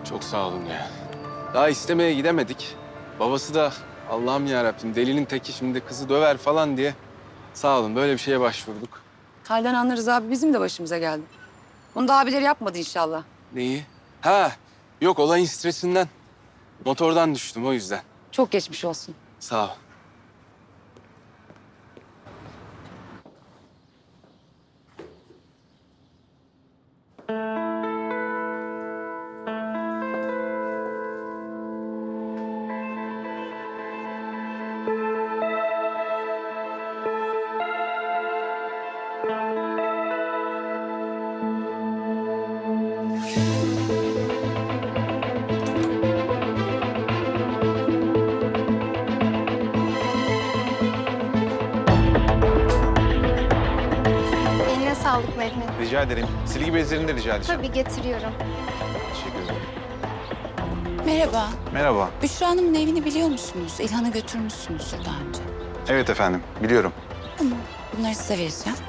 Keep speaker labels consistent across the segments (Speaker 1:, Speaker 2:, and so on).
Speaker 1: Çok sağ olun ya. Daha istemeye gidemedik. Babası da Allah'ım yarabbim delinin teki şimdi kızı döver falan diye. Sağ olun böyle bir şeye başvurduk.
Speaker 2: Halden anlarız abi, bizim de başımıza geldi. Bunu da abileri yapmadı inşallah.
Speaker 1: Neyi? Ha, yok olayın stresinden. Motordan düştüm o yüzden.
Speaker 2: Çok geçmiş olsun.
Speaker 1: Sağ ol.
Speaker 3: Eline sağlık Mehmet.
Speaker 4: Rica ederim. Silgi bezlerini de rica edeceğim.
Speaker 3: Tabii getiriyorum.
Speaker 4: Teşekkür ederim.
Speaker 5: Merhaba.
Speaker 4: Merhaba.
Speaker 5: Büşra Hanım'ın evini biliyor musunuz? İlhan'ı götürmüşsünüzdür daha önce.
Speaker 4: Evet efendim, biliyorum.
Speaker 5: Tamam. Bunları size vereceğim.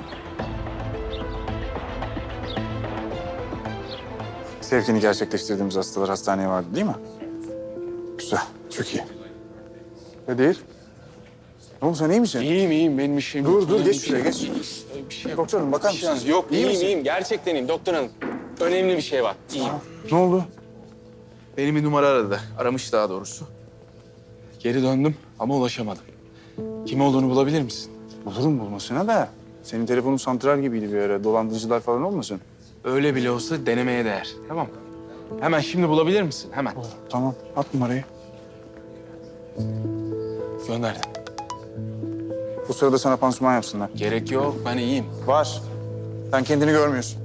Speaker 6: Sevkini gerçekleştirdiğimiz hastalar hastaneye vardı değil mi? Güzel, çok iyi. Kadir. Ne oldu, sen iyi misin?
Speaker 1: İyiyim benim işim.
Speaker 6: Dur, geç şuraya, geç.
Speaker 1: Bir şey yok.
Speaker 6: Doktorum, bakar
Speaker 1: Bir şey
Speaker 6: mısın?
Speaker 1: yok,
Speaker 6: İyi
Speaker 1: iyiyim,
Speaker 6: misin?
Speaker 1: iyiyim. Gerçekten iyiyim doktor hanım. Önemli bir şey var. İyiyim.
Speaker 6: Ne oldu?
Speaker 1: Benim bir numara aradı. Aramış daha doğrusu. Geri döndüm ama ulaşamadım. Kim olduğunu bulabilir misin?
Speaker 6: Bulurum bulmasına da. Senin telefonun santral gibiydi bir ara. Dolandırıcılar falan olmasın?
Speaker 1: Öyle bile olsa denemeye değer. Tamam mı? Hemen şimdi bulabilir misin? Hemen.
Speaker 6: Tamam, at numarayı.
Speaker 1: Gönderdim.
Speaker 6: Bu sırada sana pansuman yapsınlar.
Speaker 1: Gerek yok. Ben iyiyim.
Speaker 6: Var. Sen kendini görmüyorsun.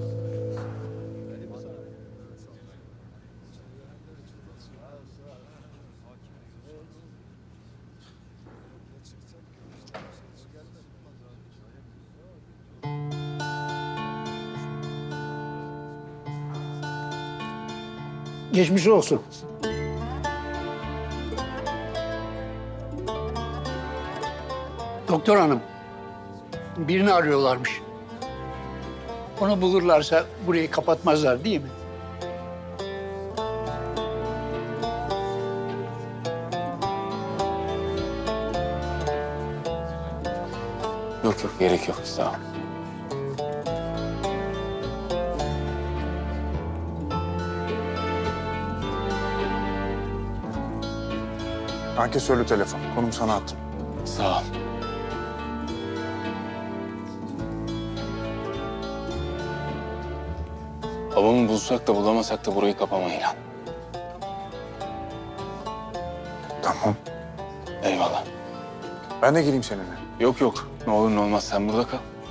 Speaker 7: Geçmiş olsun. Doktor hanım, birini arıyorlarmış. Onu bulurlarsa burayı kapatmazlar değil mi?
Speaker 1: Yok yok. Gerek yok. Sağ ol.
Speaker 6: Ankesörlü telefon. Konum sana attım.
Speaker 1: Sağ ol. Babamı bulsak da bulamasak da burayı kapama İlhan.
Speaker 6: Tamam.
Speaker 1: Eyvallah.
Speaker 6: Ben de geleyim seninle.
Speaker 1: Yok yok. Ne olur ne olmaz sen burada kal.